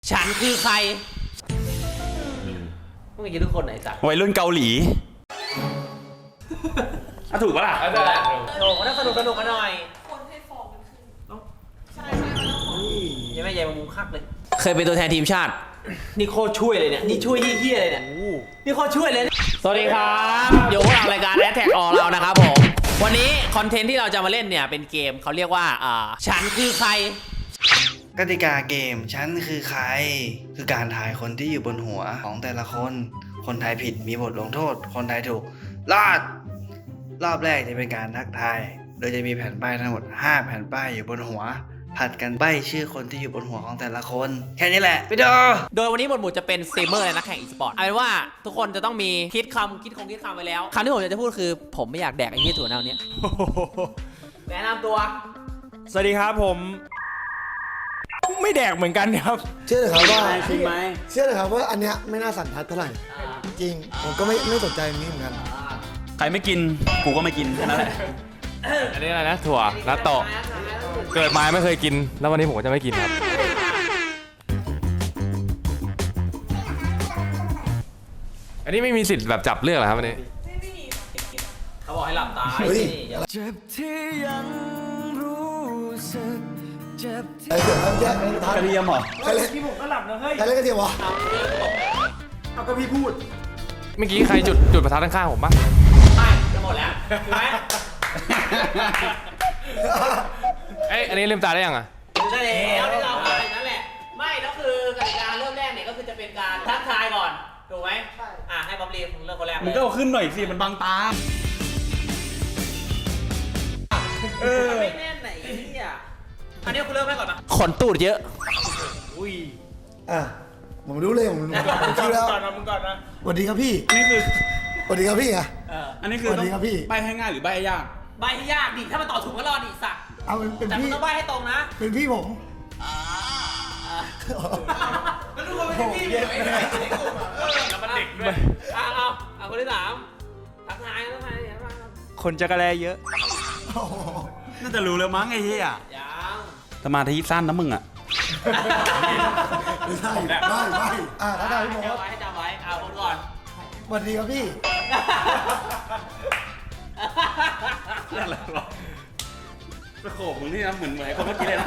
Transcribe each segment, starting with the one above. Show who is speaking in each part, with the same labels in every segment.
Speaker 1: ฉันคือใครพวกมึงจะทุกคนไหนสัก
Speaker 2: วัยรุ่นเกาหลีถูกปะล่ะ
Speaker 1: ได้แล้วโอ้โหน่าสนุกกันหน่อย
Speaker 3: คนให้ฟองมันขึ้นใช่
Speaker 1: ยังไม่ใหญ่มามุมคักเลยเคยเป็นตัวแทนทีมชาตินี่โคตรช่วยเลยเนี่ยนี่ช่วยเฮี้ยเลยเนี่ยนี่โคตรช่วยเลยสวัสดีครับอยู่กับรายการแอทแท็กออเรานะครับผมวันนี้คอนเทนต์ที่เราจะมาเล่นเนี่ยเป็นเกมเขาเรียกว่าฉันคือใคร
Speaker 4: กติกาเกมฉันคือใครคือการทายคนที่อยู่บนหัวของแต่ละคนคนทายผิดมีบทลงโทษคนทายถูกรอบแรกจะเป็นการทักทายโดยจะมีแผ่นป้ายทั้งหมด5แผ่นป้ายอยู่บนหัวผัดกันใบ้ชื่อคนที่อยู่บนหัวของแต่ละคนแค่นี้แหละไปดู
Speaker 1: โดยวันนี้หมวดหมู่จะเป็นสตรีมเมอร์และนักแข่งอีสปอร์ตเอาเป็นว่าทุกคนจะต้องมีคิดคำไปแล้วคำที่ผมอยากจะพูดคือผมไม่อยากแดกไอ้ที่ถั่วเน่าเนี้ยแนะนำตัว
Speaker 5: สวัสดีครับผมไม่แดกเหมือนกันครับ
Speaker 6: เชื่อเลยครับว่าเชื่อเลยครับว่าอันเนี้ยไม่น่าสั่นทัดเท่าไหร่จริงผมก็ไม่สนใจนี้เหมือนกัน
Speaker 2: ใครไม่กินกูก็ไม่กินแค่นั้นแหละ
Speaker 5: อันนี้อะไรนะถั่วนัตโตะเกิดมาไม่เคยกินแล้ววันนี้ผมก็จะไม่กินครับอันนี้ไม่มีสิทธิ์แบบจับเลือกเหรอครับวันนี้
Speaker 1: เขาบอกให้หลับตา
Speaker 6: เจ็บที่ยังรู้สึกเจ็บที่เสียงอะไรแย่
Speaker 2: กระเทียมเหรอ
Speaker 6: ใครเล่นพี่ผมก็หลับนะเฮ้ยใครเล่นกระเทียมวะเอาก็พี่พูด
Speaker 5: เมื่อกี้ใครจุดประทัดข้างๆผมปะ
Speaker 1: ไม่จะหมดแล้วถูกไหม
Speaker 5: อันนี้ลืมตาได้ยังอ่ะ
Speaker 1: ได้แล้วที่เราไปนั่นแหละไม่แล้วคือกติกาเริ่มแรกเนี่ยก็คือจะเป็นการทักทายก่อนถูกไหมให้บ๊อบลีเริ่มคนแรก
Speaker 2: มึงก็เอาขึ้นหน่อยสิมันบังตา
Speaker 1: ไม่แน่นไหนเนี่ยอันนี้คุณเริ่มให้ก่อนนะขนตูดเยอะ
Speaker 6: อุ้ยผมรู้เลยผมคิดแล้ว
Speaker 5: มึงก่อนนะ
Speaker 6: สวัสดีครับพี่
Speaker 2: นี่คือ
Speaker 6: สวัสดีครับพี่ไง
Speaker 2: อันนี้คือต้องใบให้ง่ายหรือใบให้ยาก
Speaker 1: ใบให้ยากดิถ้ามันต่อถูกก็รอดดิสัก
Speaker 6: เอาเป็นพี่
Speaker 1: แต่ต้องใบให้ตรงนะ
Speaker 6: เป็นพี่ผม
Speaker 1: แล้วทุกคนเป็นพี่เลยแล้วมันเด็กด้วยเอาคนที่3ทักทาย
Speaker 5: คนจักรแลเยอะ
Speaker 2: น่าจะรู้แล้วมั้งไอ้เหี้ย
Speaker 1: ยัง
Speaker 2: สมาธิสั้นนะมึงอ่ะ
Speaker 6: ไม่ใช่ไม่ถ้าได้พี่ผม
Speaker 1: ให้จำไว้เอาคนก่อน
Speaker 6: สวัสดีครับพี่
Speaker 2: อะไรวะสโคปมึงนี่นะเหมือนคนเมื่อกี้เลยนะ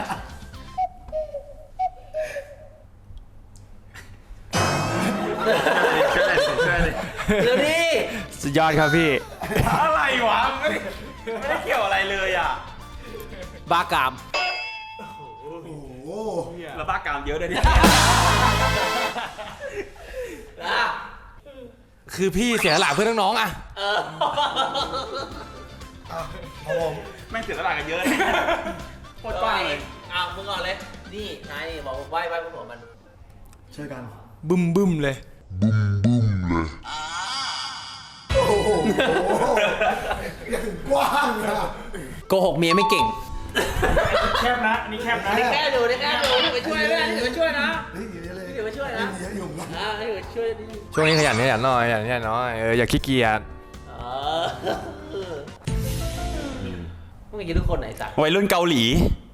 Speaker 1: เดี๋ยวดิ
Speaker 5: สุดยอดครับพี่
Speaker 2: อะไรวะไม่ได้เกี่ยวอะไรเลยอ่ะ
Speaker 1: บ้ากาม
Speaker 2: แล้วบ้ากามเยอะเลยดิ
Speaker 5: คือพี่เสียหลักเพื่อนน้องๆอ่ะ
Speaker 6: ผม
Speaker 2: ไม่เสียสละกันเยอะโคตรกว้างเลย
Speaker 1: มึงก่อนเลยนี่นายนี่บอกไหว้บนหัวมัน
Speaker 6: ช่วยกัน
Speaker 5: บึ้มเลย
Speaker 6: โอ้โหอย่าถึงกว้างนะ
Speaker 1: โกหกเมียไม่เก่ง
Speaker 5: แคบนะนี่แคบนะ
Speaker 1: นี่แคบอยู่ไปช่วยด้วยนี่ไปช่วยนะนี่ไปช่วยนะ
Speaker 6: เยอะอยู่นะ
Speaker 1: นี่ไปช่วย
Speaker 5: ช่วงนี้ขยันหน่อยอย่าขี้เกียจ
Speaker 1: พวกมึงจะทุกคนไหนสัก
Speaker 2: วัยรุ่นเกาหลี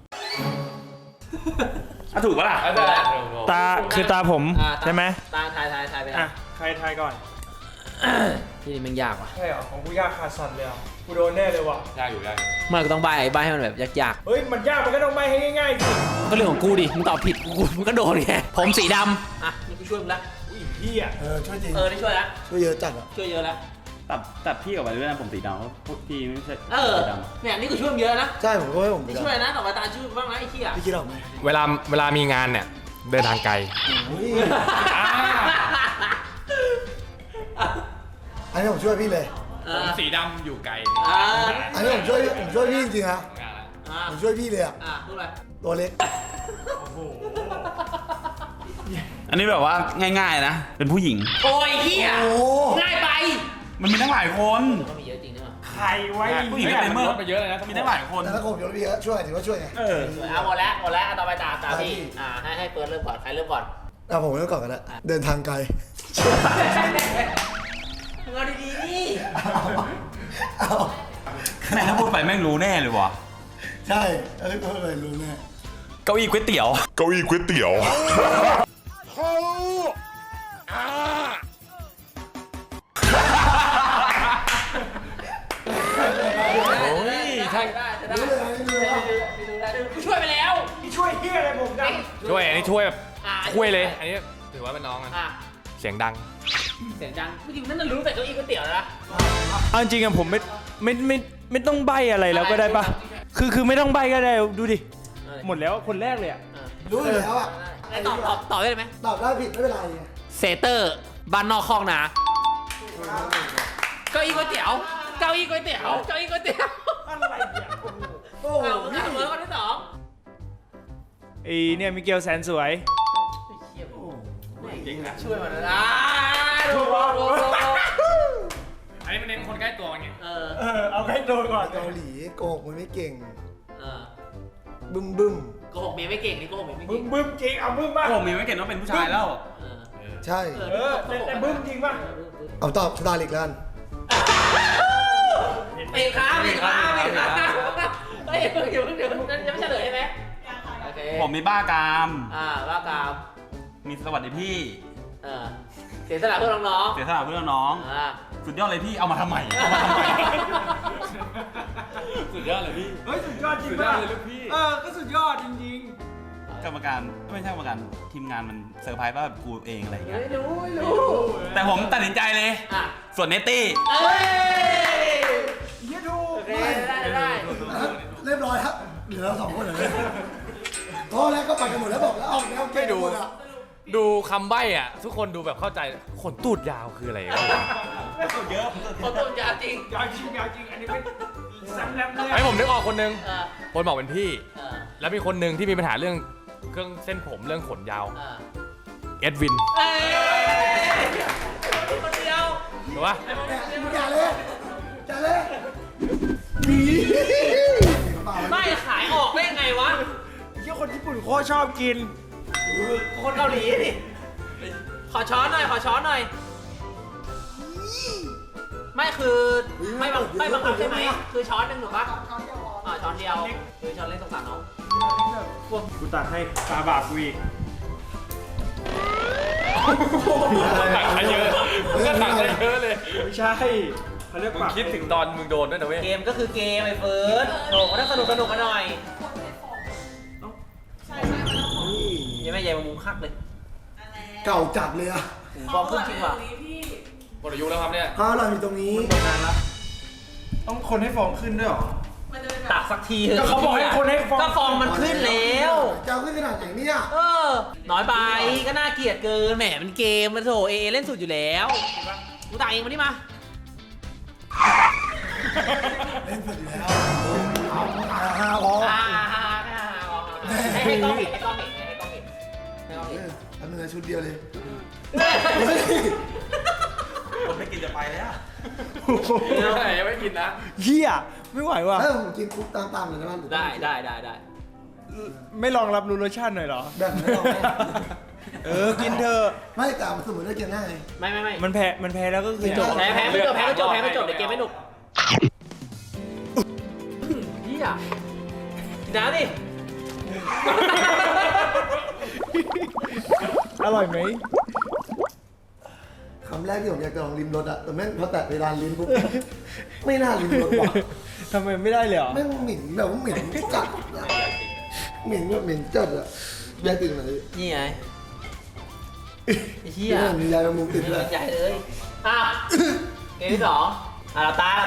Speaker 2: ถูกปะล่ะ
Speaker 5: ตาคือตาผมใช่ไหม
Speaker 1: ตาทายไป
Speaker 5: นะใครทายก่อน
Speaker 1: ที่นี่มันยากว่ะ
Speaker 5: ใช่เหรอของกูยากขาดสั่นเลยกูโดนแน่เลยว่ะ
Speaker 2: ยากอยู่
Speaker 1: มันก็ต้องใบให้มันแบบยาก
Speaker 5: เฮ้ยมันยากมันก็ต้องใบให้ง่ายๆสิ
Speaker 1: ก็เรื่องของกูดิมึงตอบผิดกูมึงก็โดนไงผมสีดำนี่กูช่วยมึงละ
Speaker 5: พี่อ่ะ
Speaker 6: ช่วยจริง
Speaker 1: นี่ช่วยละ
Speaker 6: ช่วยเยอะจัดอ่ะ
Speaker 1: ช่วยเยอะแล้ว
Speaker 2: ตัดพี่กับไปด้วยนะผมสีดำเพราะพี่ไม่ใช่สีด
Speaker 1: ำเนี่ยนี่กูช่วยมึงเยอะนะ
Speaker 6: ใช่ผมก็ให้ผม
Speaker 1: ช่วยนะต่อไปตาช่วยบ้างนะไอ้ขี้อ่ะ
Speaker 6: พี่คิดออกไหม
Speaker 5: เวลามีงานเนี่ยเดินทางไกล
Speaker 6: อันนี้ผมช่วยพี่เลย
Speaker 5: ผมสีดำอยู่ไกล
Speaker 6: อันนี้ผมช่วยพี่จริงๆนะผมช่วยพี่เลยอ่ะตัวเล็ก
Speaker 2: อันนี้แบบว่าง่ายๆนะเป็นผู้หญิง
Speaker 1: โอ้ยเหี้ยง่ายไป
Speaker 2: มันมีตั้งหลายคน
Speaker 1: ก็มีเยอะจริงนะ
Speaker 5: ใครไว้
Speaker 2: ผู้หญิงเป็นเมื่อ
Speaker 5: ไปเยอะเลยนะ
Speaker 2: มีตั้งหลายคน
Speaker 6: แต่ถ้าผมเยอะพี่ช่วยถือว่าช่วยไง
Speaker 1: หมดแล้วต่อไปตาพี่ให้เฟิร์สเริ่มก่อนใครเริ่มก่อน
Speaker 6: ผมเริ่มก่อนกันแล้วเดินทางไกล
Speaker 1: เอาดีๆนี่
Speaker 2: แม่ถ้าพูดไปแม่งรู้แน่เลยวะ
Speaker 6: ใช่พูดไปรู้แน่
Speaker 2: เก้าอี้ก๋วยเตี๋ยว
Speaker 5: ช่วยแบบ
Speaker 1: อ่ะ
Speaker 5: ช่วยเลย อันนี้ถือว่าเป็นน้องกัน
Speaker 1: อ่ะ
Speaker 5: เสียงดัง
Speaker 1: เสียงดังจริงๆนั่นน่ะรู้แต่เก้าอี้ก๋วยเตี๋ยวแล้วนะ
Speaker 7: เอาจริงๆอะผมไม่ต้องใบอะไรแล้วก็ได้ปะคือไม่ต้องใบก็ได้ดูดิ หมดแล้วคนแรกเลยอะ
Speaker 6: รู้อยู่แล้วอ่ะ
Speaker 1: แล้วตอบได้ไหม
Speaker 6: ตอบได้ผิดไม่เป็นไรไง
Speaker 1: เซเตอร์บ้านนอกคลองนาเก้าอี้ก๋วยเตี๋ยวเก้าอี้ก๋วยเตี๋ยวเก้าอี้ก๋วยเตี๋ยวอะไรเนี่ย
Speaker 6: โอ้
Speaker 1: เอา
Speaker 6: โห
Speaker 1: เสมอคนที่สอง
Speaker 7: ไอเนี่ยมิเกลแสนสวย
Speaker 1: ช่วยมันนะดู
Speaker 5: อันนี้มันเน้นคนใกล้ตัวไง
Speaker 7: เอาใกล้ตัวก่อน
Speaker 6: เกาหลีโกหกมันไม่เก่ง
Speaker 1: เออ
Speaker 6: บึ้มบึ้ม
Speaker 1: โกหกเมียไม่เก่งนี่โกหกเมียไม่
Speaker 7: บึ้
Speaker 1: เก่
Speaker 7: ม
Speaker 1: ง
Speaker 7: บึ้มจริงเอาบึ้มบ้าง
Speaker 2: ผมมีไม่เก็ตว่าเป็นผู้ชายแล้ว
Speaker 1: เออ
Speaker 6: ใช่
Speaker 7: แต่บึ้มจริงป่ะ
Speaker 6: เอาตอบสตาร์ลิกแล้วกัน
Speaker 1: เอกครับเอกครับเอกครับเฮ้ยเดี๋ยวจะไม่เฉลยใช่ไหมโอเค
Speaker 2: ผมมีบ้ากาม
Speaker 1: ว่ากาม
Speaker 2: มีสวัสดีพี่
Speaker 1: เสียสละเพื่อน้อง
Speaker 2: เสียสละเพื่อนน้อง
Speaker 1: ๆ
Speaker 2: สุดยอดเลยพี่ เอามาทำไมเอามาทำไม
Speaker 5: สุดยอดเลยพี่
Speaker 7: เฮ้ยสุดยอดจริงป่ะก็สุดยอดจริง
Speaker 2: กรรมการไม่ใช่กรรมการทีมงานมันเซอร์ไพรส์ว่าแบบกูเองอะไรอย่างเงี้ย
Speaker 1: ไม่รู้ไม่รู้
Speaker 2: แต่ผมตัดสินใจเลย ส่วนเนตตี้
Speaker 1: เอ้ย
Speaker 7: ๆเฮียถูก
Speaker 1: โอเคได้
Speaker 6: เรียบร้อยครับเหลือเราสองคนเหรอเนี่ยพอแล้วก็ไปกันหมดแล้วบอกแล้วเอาแล้วเก่งหมดอ่ะ
Speaker 5: ดูคำใบ้อ่ะ ทุกคนดูแบบเข้าใจขนตูดยาวคืออะไรวะ
Speaker 2: เยอะ
Speaker 1: เขาต้นยาจริง
Speaker 7: ยาวจริงยาวจริงอันนี้เป็นแซมแรมเลย
Speaker 5: ไอ้ผมนึกออกคนนึง
Speaker 1: เออ
Speaker 5: คนบอกเป็นพี่
Speaker 1: เออ
Speaker 5: แล้วมีคนหนึ่งที่มีปัญหาเรื่องเครื่องเส้นผมเรื่องขนยาว
Speaker 1: เออ
Speaker 5: เอ็ดวิน
Speaker 1: เอ้ยคนเดียว
Speaker 5: ถูกปะ
Speaker 6: อย่าเลยอย่าเลย
Speaker 1: ไม่ขายออกได้ไงวะ
Speaker 7: เฮียคนญี่ปุ่นโคตรชอบกิน
Speaker 1: คนเกาหลีดิขอช้อนหน่อยขอช้อนหน่อยไม่คือไม่บังคับใช่ไหมคือช้อนหนึ่งถูกปะช้อนเดียวคือช้อนเล็กสงสารน้อง
Speaker 7: กูตัดให้ตาบาปกูอีก
Speaker 5: ตักให้เยอะก็ตักให้เยอะเลย
Speaker 7: ไม่ใช่เขาเรียก
Speaker 5: มึง
Speaker 7: ปาก
Speaker 5: คิดถึงตอนมึงโดนด้วยนะเว้ย
Speaker 1: เกมก็คือเกมไอ้เฟิร์สโอ้ก็ต้องสนุกมาหน่อย
Speaker 3: ใช่ใช่มันต้องของ
Speaker 1: ยังไม่ใหญ่มามุมคักเลย
Speaker 6: เก่าจัดเลยอ่ะ
Speaker 1: ฟอร์มขึ้นจริงว่ะ
Speaker 3: พี่
Speaker 5: หมดอายุแล้วครับเนี่ย
Speaker 6: ข้าวเราอยู่ตรงนี้
Speaker 7: ต้องคนให้ฟองขึ้นด้วยหรอ
Speaker 3: มันจะเป็น
Speaker 1: ตักสักทีเถอะ
Speaker 7: ก็เขาบอกให้คนให้ฟอง
Speaker 1: ก็ฟองมันขึ้นแล้ว
Speaker 6: จะเอาขึ้นขนาดไหนเนี่ย
Speaker 1: น้อยไปก็น่าเกลียดเกินแหมมันเกมมันโถเอเล่นสุดอยู่แล้วกูตักเองมานี่มา
Speaker 6: เล่นสุดอยู่แล้วฮ่าพอ
Speaker 1: ให้กล้องเห็นให้กล้องเห็นให้กล้องเห็นให้กล้องเห็น
Speaker 6: ทำเนื้อชุดเดียวเลย
Speaker 2: ผมไม่กินจะไปแล้ว
Speaker 5: ยังไม่กินนะ
Speaker 7: เฮียไม่ไหวว่ะ
Speaker 6: ถ้าผมกินคุกตามๆเลยนะมัน
Speaker 1: ได้
Speaker 7: ไม่ลองรับรู้รสชาติหน่อยเหรอ
Speaker 6: แบบไม่ลองแม่
Speaker 7: กินเถอะ
Speaker 6: ไม่แต่สมมติได้กินง่าย
Speaker 1: ไม่
Speaker 7: มันแพ้แล้วก็คือจบ
Speaker 1: แพ้ก็จบเดี๋ยวเกมไม่หนุกเฮียกินน้ำดิ
Speaker 7: อร่อยไหม
Speaker 6: คำแรกที่ผมอยากจะลองลิ้มรสอะแต่แม่งพอแตะเวลาลิ้นปุ๊บไม่น่าลิ้มรสว่ะ
Speaker 7: ทำไมไม่ได้เลยเหรอ
Speaker 6: แม่งเหม็นแบบว่าเหม็นจัดอะเหม็นแบบเหม็นจัดอะยายติดไหน
Speaker 1: นี่ไงเฮีย
Speaker 6: มียายมุมติดเลย
Speaker 1: ใหญ่เลยเกมที่สองตา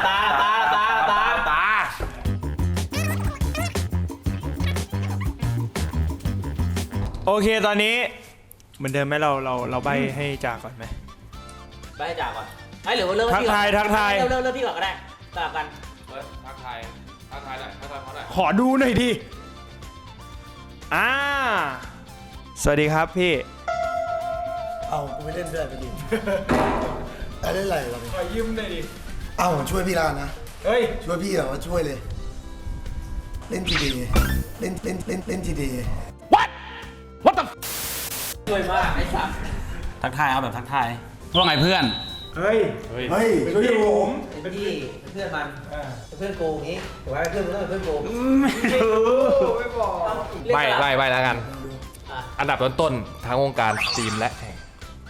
Speaker 7: โอเคตอนนี้เหมือนเดิมไหมเราใบให้จากก่อนไหม
Speaker 1: ไปให้จ่าก่อนไอ้หรือว่าเริ่ม
Speaker 7: ทักทาย
Speaker 1: เริ่มพี่ก่อนก็ได้สลับกัน
Speaker 5: ทักทายหน่อยทักทายเขาหน่อย
Speaker 7: ขอดูหน่อยดิสวัสดีครับพี่
Speaker 6: เอากูไม่เล่นด้วยไปดิเล่นอะไรเราเนี่ย
Speaker 7: ขอยืมหน่อยดิ
Speaker 6: เอาผมช่วยพี่ลานนะ
Speaker 7: เฮ้ย
Speaker 6: ช่วยพี่แบบว่าช่วยเลย เล่นทีเดย์เล่นทีเดย์
Speaker 1: ช่วยมากไอ้สัส
Speaker 2: ทักทายเอาแบบทักทายว่าไงเพื่อน
Speaker 7: เฮ้ย
Speaker 6: เฮ้ย
Speaker 7: ช่วยผม
Speaker 1: เป็นพี่เป็นเพื่อนมันเป็นเพื่อนโกงงี้ถือว่าเพื่อนมันต้องเป็นเพื่อนโกง
Speaker 7: ไม่รู้ไม่บอก
Speaker 5: ใบแล้วกัน อันดับต้นๆทั้งวงการสตรีมและแข่ง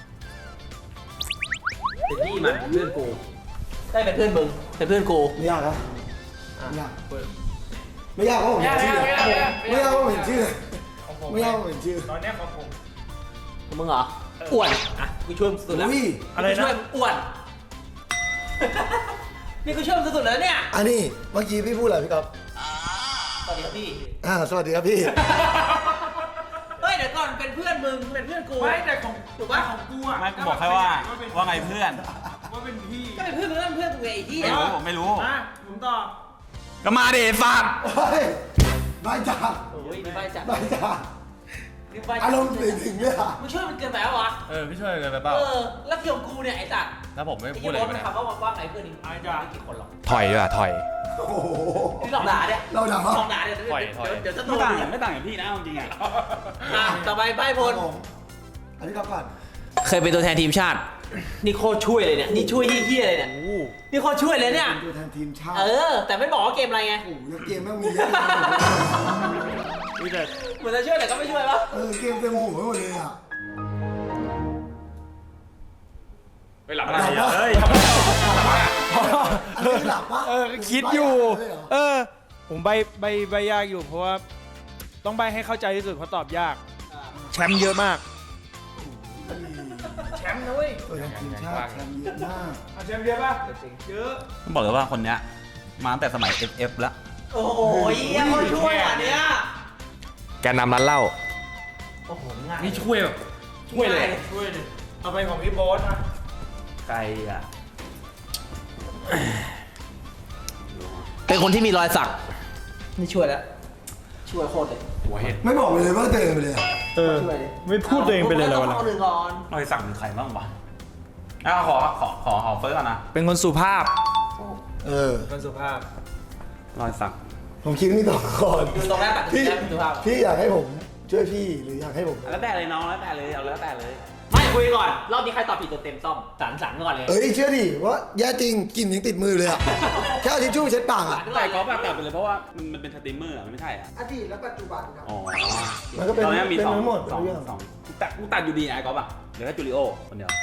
Speaker 1: เป็นพี่มันเป็นเพื่อนกูได้เป็นเพื่อนมึงเป็นเพื่อนกู
Speaker 6: ไม่ยากนะไม่ยากไม่ยากเพราะผมเห็นชื่อไม่ยากเพราะผมเห็นชื่อไม่ยากเพราะผมเห็นชื่อ
Speaker 7: ตอนนี้ของผม
Speaker 1: มึงเหรออ้วนอ่ะกูช่วยมึงสุดแล้ว
Speaker 6: อุ้ย
Speaker 7: อะไร
Speaker 1: กูช่วย
Speaker 7: นะ
Speaker 1: มึงอ้วน นี่กูช่วยมึงสุดๆแล้วเนี่ย
Speaker 6: อันนี้เมื่อกี้พี่พูดอะไรพี่ก๊อฟ
Speaker 1: สวัสดีครับพี่
Speaker 6: สวัสดีครับพี่
Speaker 1: เฮ้ยเดี๋ยวก่อนเป็นเพื่อนมึงเป็นเพื่อนกู
Speaker 7: ไม่แต่ของ
Speaker 1: ถูกป่ะ
Speaker 7: ของกูอ่ะ
Speaker 2: ไม่กูบอกแค่ว่าไงเพื่อน
Speaker 7: ว่าเป็นพี่
Speaker 1: ก็เป็นเพื่อนมึงเพื่อนกูไงไอ้เหี้ย
Speaker 2: ไม่รู้ผมไม่รู้
Speaker 7: อ่ะผมตอบ
Speaker 2: ก็มาดิฝาก
Speaker 6: เฮ้ยนายจ่า
Speaker 1: โอ้ยนี่ใบจัด
Speaker 6: นายจ่า
Speaker 1: นี่ใบจัด
Speaker 6: อารมณ์ถึงเนี่ย
Speaker 1: มึงช่วยมันเกินไปแล้ววะ
Speaker 5: พี่ช่วยเกินไปเปล่า
Speaker 1: แล้วเกี่ยวกับกูเนี่ยไอ้จัด
Speaker 5: ถ้าผมไม่
Speaker 1: ไอ้
Speaker 5: พูด
Speaker 1: ที่
Speaker 5: อะไร
Speaker 1: โบ๊ทมัน
Speaker 5: เลย
Speaker 1: ถามว่าไงเพื่อนนี่ไม่กี่คนหรอก
Speaker 5: ถอยดีกว่าถอย
Speaker 6: โอ้โห
Speaker 1: นี่หลอกด่าเนี่ย
Speaker 6: เราด่า
Speaker 1: หลอกด่าเนี่ย
Speaker 5: ถอย
Speaker 1: เดี๋ยวจะโด
Speaker 2: ไม่
Speaker 1: น
Speaker 2: ต่างไม่ต่างกับพี่นะเอาจริงอ่ะ
Speaker 1: ต่อไปใบพล
Speaker 6: อันนี้ก๊อฟก่อน
Speaker 1: เคยเป็นตัวแทนทีมชาติ นี่โคตรช่วยเลยเนี่ย นี่ช่วยเฮี้ยๆเลยเนี่ย นี่โคตรช่วยเลยเนี่ย
Speaker 6: เป็นตัวแทนทีมชาติ
Speaker 1: แต่ไม่บอกว่าเกมอะไรไง
Speaker 6: โอ้โหยังเกมแม่งมีเยอะ
Speaker 7: มีแต่
Speaker 1: เหมือนจะช่วยแต่ก็ไม่ช่วยปะ
Speaker 6: เกมเต็มหัวไปหมดเลยอ่ะ
Speaker 5: ไปหลับ
Speaker 2: อะไรอ่ะเฮ้ย
Speaker 6: อันนี้หลับปะ
Speaker 7: คิดอยู่
Speaker 6: เลยเหรอ
Speaker 7: ผมใบยากอยู่เพราะว่าต้องใบให้เข้าใจที่สุดเพราะตอบยาก แชมป์เยอะมาก แชมป์นะเว้ย
Speaker 6: ตัวแทนทีมชาติแชมป์เยอะมาก
Speaker 7: แชมป์เยอะป่ะเยอะ
Speaker 2: ต้องบอกเลยว่าคนเนี้ยมาตั้งแต่สมัย FF แล้ว
Speaker 1: โอ้โหเฮี้ยโคตรช่วยอ่ะเนี่ย
Speaker 5: แกนนำร้านเหล้า
Speaker 1: โอ้โหง่าย
Speaker 5: นี่ช่วยแบบช่วยเลย
Speaker 7: ช่วยดิเอาไปของพี่โบ๊ทนะ
Speaker 2: ไกลอ่ะ
Speaker 1: เป็นคนที่มีรอยสัก นี่ช่วยแล้ว ช่วยโคตรเลย
Speaker 5: หัวเห็ด
Speaker 6: ไม่บอกเลยว่าตัวเองไปเลยอะ
Speaker 1: ช่วยเลย
Speaker 7: ไม่พูดตัวเองไปเลยเหรอวะ
Speaker 1: ต้องเอาหนึ่งก่อน
Speaker 2: รอยสักเป็นใครบ้างวะขอเฟิร์สก่อนนะ
Speaker 7: เป็นคนสุภาพ
Speaker 6: เออ
Speaker 7: คนสุภาพ
Speaker 2: รอยสัก
Speaker 6: ผมคิดนี่ต่อก่อน
Speaker 1: อยู่ตรงแรกตัด
Speaker 6: พี่
Speaker 1: แรกดูภาพ
Speaker 6: พี่อยากให้ผมช่วยพี่หรืออยากให้ผม
Speaker 2: แล้วแต่เลยน้องแล้วแต่เลยเอาแล้วแต่เลย
Speaker 1: ไม่คุยก่อน รอบนี้ใครตอบผิดตัวเต็มซ่อมสันก่อนเลย
Speaker 6: เอ้ยเชื่อดิว่าแย่จริงกลิ่นยังติดมือเลยอ่ะ แค่เอาทิชชู่เช็ดปากอ่ะ
Speaker 2: แต่ก็แบบตัดไปเลยเพราะว่ามันเป็นสตรีมเมอร์อะมันไม่ใช่อ่ะ
Speaker 6: อดีตและปัจจุบันครับ
Speaker 2: อ๋อ
Speaker 6: มันก็เป็น
Speaker 2: ตอนนี้มี
Speaker 6: เป็น
Speaker 2: สอง
Speaker 6: ทั้งหมด
Speaker 2: สอง
Speaker 6: เป็นเรื่อง
Speaker 2: สองกูตัดอยู่ดีไอ้ก๊อฟอ่ะเหลือแค่จูริโอคนเดียว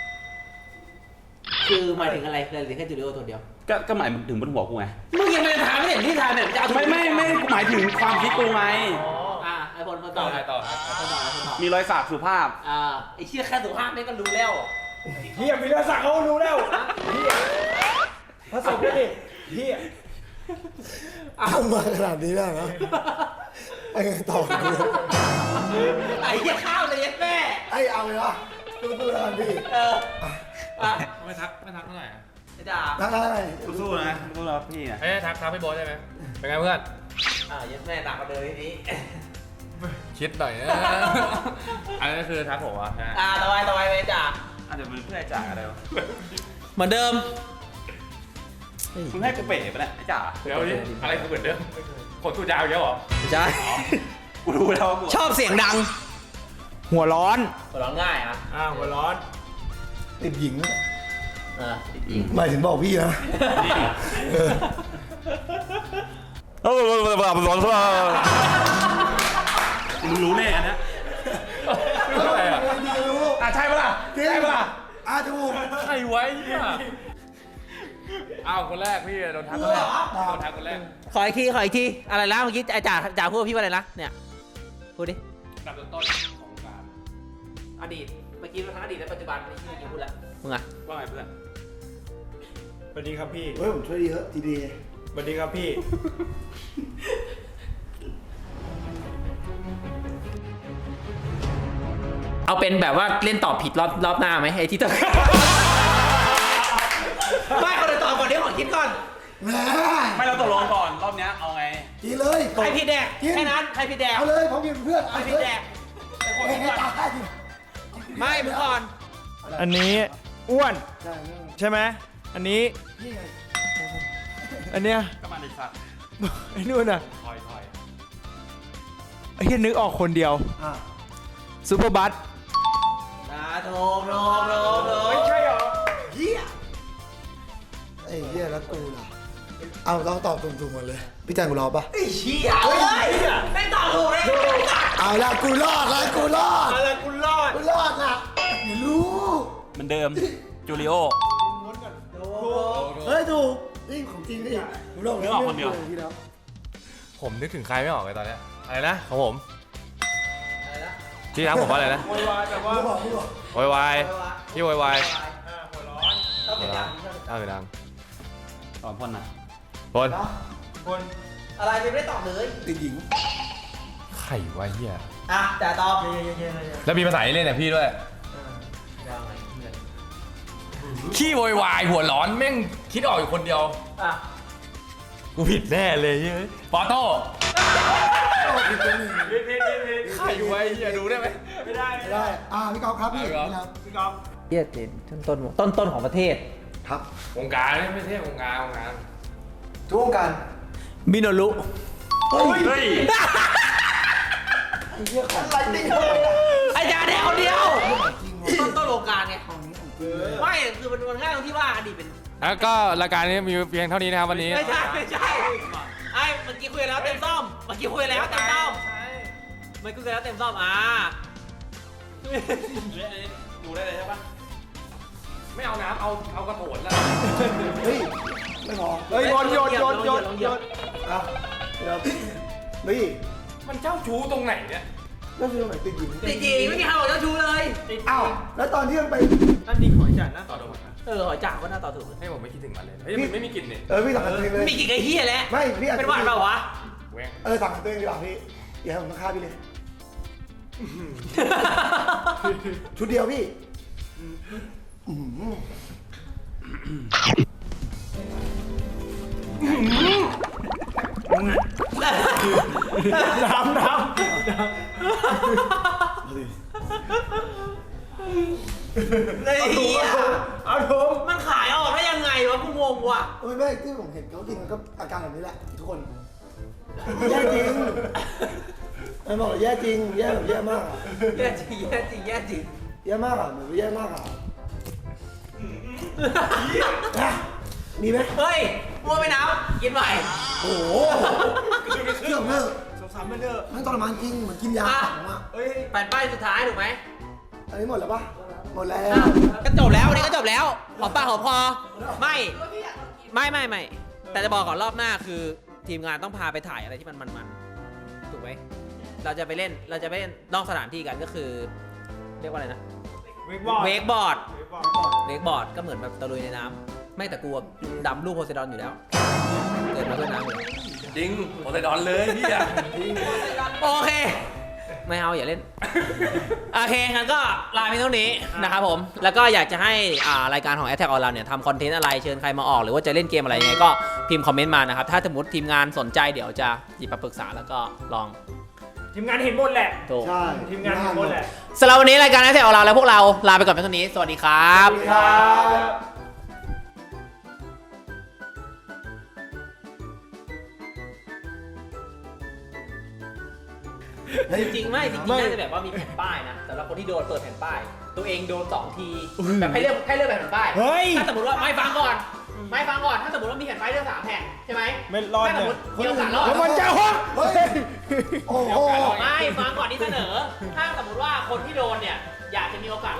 Speaker 1: คือหมายถึงอะไรเลยหรือแค่จูดิโอตัวเดียว
Speaker 2: ก็หมายถึงบนหัวกูไง
Speaker 1: มึงยังไม่ได้ถามไม่เห็นที่ถามเนี่ยจะเอา
Speaker 2: ไม่กูหมายถึงความคิดกูไง
Speaker 1: ไอพลมาต่อ
Speaker 5: ต่อ
Speaker 2: มีรอยสักสุภาพ
Speaker 1: ไอเชี่ยแค่สุภาพนี่ก็รู้แล้ว
Speaker 7: เฮียมีรอยสักเขารู้แล้วเฮียผสมกันดิเฮีย
Speaker 6: ทำมาขนาดนี้ได้นะไอ้ไงต่อกันเลย
Speaker 1: ไอเชี่ยข้าวเลยยัดแม่
Speaker 6: ไอ้เอาเลยวะดูตัวกันพี่
Speaker 5: ไม่ทักเท่าไหร่
Speaker 1: ไอจ่า
Speaker 6: ได้
Speaker 2: สู้ๆนะสู้ๆพี่นะ
Speaker 5: เฮ้ยทักพี่โบ๊ทได้ไหมเป็นไงเพื่อน
Speaker 1: ยัดแม่หนักกว่าเดิมทีนี้
Speaker 5: คิดหน่อยนะอันนี้คือทักผมอ่ะ
Speaker 1: ต่อไปไปจ่า
Speaker 2: อาจจะเป็นเพื่อนไอ้จ่าอะไรวะ
Speaker 1: เหมือนเดิม
Speaker 2: มึงให้กูเป๋ไปะเนี่ยไอ้จ่า
Speaker 5: เดี๋ยวนี้อะไรคือเหมือนเดิมขนตูดยาวเยอะหรอ
Speaker 1: ใช่
Speaker 2: กูรู้แล้วว่ากู
Speaker 1: ชอบเสียงดัง
Speaker 7: หัวร้อน
Speaker 1: หัวเราะง่ายอ่ะ
Speaker 7: หัวร้อน
Speaker 6: ติดหญิง
Speaker 1: จริง
Speaker 6: หมายถึงบอกพี่นะ
Speaker 2: มึงรู้แน่อันเนี้ย
Speaker 5: อะไรอ่ะ
Speaker 6: รู้
Speaker 2: ใช่ปะล่ะใช่ปะล่ะ
Speaker 6: ถูก
Speaker 5: ใครไว้เนี่ยอ้าวคนแรกพี่โดนทักคนแรกโดนทักคนแรก
Speaker 1: ขออีกทีอะไรนะเมื่อกี้จ่าพูดกับพี่ว่าอะไรนะเนี่ยพูดดิ
Speaker 5: ดับต้นของการ
Speaker 1: อดีตเมื่อกี้ทั้งอดีตและปัจจุบันไม่ใช่เมื่อกี้พูดแล้วมึงอ่ะ
Speaker 2: ว่าไงเพื่อน
Speaker 7: สวัสดีครับพี่
Speaker 6: เฮ้ยผมช่วยเยอะทีดี
Speaker 7: สวัสดีครับพี่
Speaker 1: เอาเป็นแบบว่าเล่นตอบผิดรอบหน้าไหมไอ้ที่ต้อง ไม่คนอื่นตอบก่อนเดี๋ยวขอคิดก่อน
Speaker 6: แหม
Speaker 2: ไม่เราตกลงก่อนรอบเนี้ยเอาไง
Speaker 6: กินเลย
Speaker 1: ใครผิดแดกแค่นั้นใครผิดแดก
Speaker 6: เอาเลยผมกินเพื่อน
Speaker 1: ใครผิดแดก
Speaker 6: เฮ้ยตาย
Speaker 1: ไม่มึงก่อน
Speaker 7: อันนี้อ้วน ใช่ไหมอันนี้
Speaker 6: นี่ไง
Speaker 7: อันเนี้ย
Speaker 2: ก็มาในสัตว์
Speaker 7: ไอ้นู่นอ่ะ
Speaker 5: ถอย
Speaker 7: ไอ้เฮียนึกออกคนเดียว
Speaker 6: อ่ะ
Speaker 7: ซูเปอร์บัส
Speaker 1: โทร
Speaker 7: ไม่ใช่หรอ
Speaker 6: เฮียไอ้เฮียแล้วกูล่ะเอาต้องตอบตรงๆหมดเลย พี่แจงกูรอปะ
Speaker 1: ไอ้เชี่ยเฮ้ยไม่ตอบถูกเลย
Speaker 6: เอาละกูรอดละกูรอด
Speaker 7: อะไรกูรอด
Speaker 6: กูรอดละอย่ารู้
Speaker 2: เหมือนเดิมจูริโอ
Speaker 6: เฮ้ยถูกนี่ของจริงนี่ผมลอง
Speaker 2: นึกออกคนเดียว
Speaker 6: ที่แล้ว
Speaker 5: ผมนึกถึงใครไม่ออกเลยตอนเนี้ยอะไรนะของผม
Speaker 1: อะไรนะ
Speaker 5: พี่ทักผมว่าอะไรนะ
Speaker 7: โวยวายแบบว่า
Speaker 5: โวยวายพี่โวยวาย
Speaker 7: หัวร้อน
Speaker 1: ต้องเป็นดัง
Speaker 5: เอาไปดัง
Speaker 2: ตอนพ่นนะ
Speaker 5: บน
Speaker 7: คน
Speaker 1: อะไรไม่ได้ตอบเลย
Speaker 6: ติดหญิง
Speaker 5: ไข่วะเฮีย
Speaker 1: อ่ะแต่ตอบ
Speaker 5: แล้วมีภาษาเล่นเนี่ยพี่ด้วยขี้โวยวายหัวร้อนแม่งคิดออกอยู่คนเดียว
Speaker 1: อ่ะ
Speaker 5: กูผิดแน่เลยเฮ้ยปอโต้ไข่ไว้เฮียดูได้ไหม
Speaker 7: ไม่ได้
Speaker 6: ไม่ได้พี่กอล์ฟครับพี่
Speaker 5: เอาพี่
Speaker 6: นี่
Speaker 5: ก๊อฟ
Speaker 6: ครับ
Speaker 7: พี่กอล์ฟ
Speaker 1: เฮียเจนต้นของประเทศ
Speaker 6: ครับ
Speaker 5: วงการไม่ใช่วงการวงการ
Speaker 6: ทุกวงการ
Speaker 1: มิโนรุ
Speaker 7: เฮ้ย
Speaker 6: ไอ้เหี้ยของจริง
Speaker 1: ไอ้จาแดงคนเดียว
Speaker 6: จริง
Speaker 1: ต้นวงการไง
Speaker 6: ของนี้ของจริงเลย
Speaker 1: ไม่คือมันง่ายตรงที่ว่าอดีตเป็น
Speaker 5: แล้วก็รายการนี้มีเพียงเท่านี้นะครับวันนี้
Speaker 1: ไม่ใช่ไอ้เมื่อกี้คุยแล้วเต็มซ่อมเมื่อกี้คุยแล้วเต็มซ่อมเมื่อกี้คุยแล้วเต็มซ่อม
Speaker 2: ดูได้เลยใช่ปะ
Speaker 5: ไม่เอาน้ำเอากระโถนละ
Speaker 6: เฮ้ยไม่พอ
Speaker 7: เฮ้ยโยน
Speaker 6: อ่ะเดี๋ยวพี่
Speaker 5: มันเจ้าชู้ตรงไหนเนี่ย
Speaker 6: แล้วคือตรงไหนติดหญิง
Speaker 1: จริงๆไม่มีใครบอกเจ้าชู้เลย
Speaker 6: อ้าวแล้วตอนที่มันไป
Speaker 7: นั่นดีหอยจัดนะ
Speaker 5: ต่อตรงไหน
Speaker 1: หอยจ่างก็น่าต่อถูก
Speaker 5: ให้ผมไม่คิดถึงมันเลยเฮ้ยมันไม่มีกลิ่นเนี่ย
Speaker 6: พี่สั่งกันตัวเองเลย
Speaker 1: มีกี่ไอ้เหี้ยแล้ว
Speaker 6: ไม่พี่อาจ
Speaker 1: เป็นหวัดเปล่าวะ
Speaker 5: แหวง
Speaker 6: สั่งกันตัวเองดีกว่าพี่อย่าให้ผมต้องฆ่าพี่เลยชุดเดียวพี่อื้อหือ
Speaker 7: น้ำ
Speaker 1: ไอ้เหี้ย
Speaker 7: เอาถุง
Speaker 1: มันขายออกได้ยังไงวะกูงงว่ะ
Speaker 6: ไม่ที่ผมเห็นเขากินมันก็อาการแบบนี้แหละทุกคนแย่จริงมันบอกแย่จริงแย่แบบแย่มากอะ
Speaker 1: แย่จริงแย่จริงแย่จริง
Speaker 6: แย่มากอ่ะเหมือนแย่มากอ่ะมีไหม
Speaker 1: เฮ้ยมัวไปน้ำกินใหม่
Speaker 6: โอ้โหเชื่อมเนอะ
Speaker 7: สามมันเถอะ
Speaker 6: มันทรมานจริงเหมือนกินยาของอ่ะ
Speaker 7: เฮ้ย
Speaker 1: แผ่นป้ายสุดท้ายถูกไหม
Speaker 6: อันนี้หมดแล้วปะหมดแล้ว
Speaker 1: ก็จบแล้ววันนี้ก็จบแล้วหอมปากหอมคอไม่แต่จะบอกก่อนรอบหน้าคือทีมงานต้องพาไปถ่ายอะไรที่มันถูกไหมเราจะไปเล่นนอกสถานที่กันก็คือ เรียกว่าอะไรนะ เวกบอร์ดก็เหมือนแบบตะลุยในน้ำไม่แต่กลัวดำลูกโพไซดอนอยู่แล้ว เกิดมาด้วยน้ำอยู่แล้ว
Speaker 5: จริงโอไซดอนเลยพี่อะ
Speaker 1: โอเค ไม่เอาอย่าเล่น โอเคงั้นก็ลาไปเท่านี้นะครับผม แล้วก็อยากจะให้รายการของ Attack on เราเนี่ยทำคอนเทนต์อะไรเชิญใครมาออกหรือว่าจะเล่นเกมอะไรยังไงก็พิมพ์คอมเมนต์มานะครับ ถ้าสมมติทีมงานสนใจเดี๋ยวจะหยิบมาปรึกษาแล้วก็ลอง
Speaker 7: ทีมงานเห็นหมดแหละ
Speaker 1: ถูก
Speaker 6: ใช่
Speaker 7: ทีมงานเห็นหมดแหละ
Speaker 1: สำหรับวันนี้รายการ Attack on เราและพวกเราลาไปก่อนเพียงเท่านี้สวัสดีครับ จริงๆน่าจะแบบว่ามีแผ่นป้ายนะสำหรับคนที่โดนเปิดแผ่นป้าย ตัวเองโดน2 ทีแบบให้เลือกแบบแผ่นป้าย
Speaker 7: เฮ้ย
Speaker 1: ถ้าสมมติว่าไม่ฟังก่อน ถ้าสมมติว่ามีแผ่นป้ายเลือก3 แผ่นใช่ไหม
Speaker 7: ไม่รอด
Speaker 1: ถ้าสม
Speaker 7: เนี่
Speaker 1: มติมีโอกาสรอด
Speaker 7: แล้วมันจะฮะ
Speaker 6: เฮ้ยโอ้โห
Speaker 1: ไม่ฟังก่อนที่เสนอ ถ้าสมมติว่าคนที่โดนเนี่ยอยากจะมีโอกาส